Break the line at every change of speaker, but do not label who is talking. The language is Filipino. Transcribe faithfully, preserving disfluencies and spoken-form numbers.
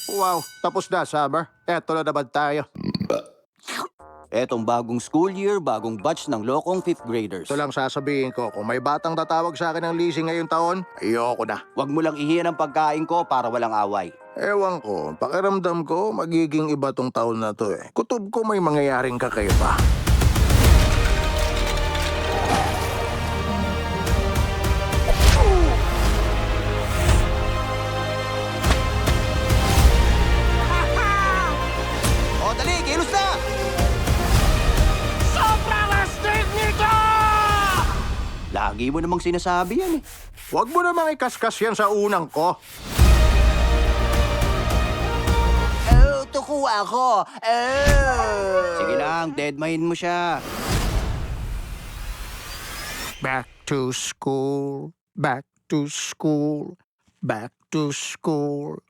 Wow, tapos na, Summer. Eto na naman tayo.
Etong bagong school year, bagong batch ng lokong fifth graders.
Ito lang sasabihin ko, kung may batang tatawag sa akin ng leasing ngayong taon, ayoko na.
Huwag mo lang ihiyan ang pagkain ko para walang away.
Ewan ko, pakiramdam ko, magiging iba tong taon na to eh. Kutob ko may mangyayaring kakaiba.
O dali, kilos na!
Sobrang astig nito!
Lagi mo namang sinasabi yan eh.
Huwag mo namang ikaskas yan sa unang ko.
Oh, tuko ako! Oh! Sige lang, deadmahin mo siya.
Back to school, back to school, back to school.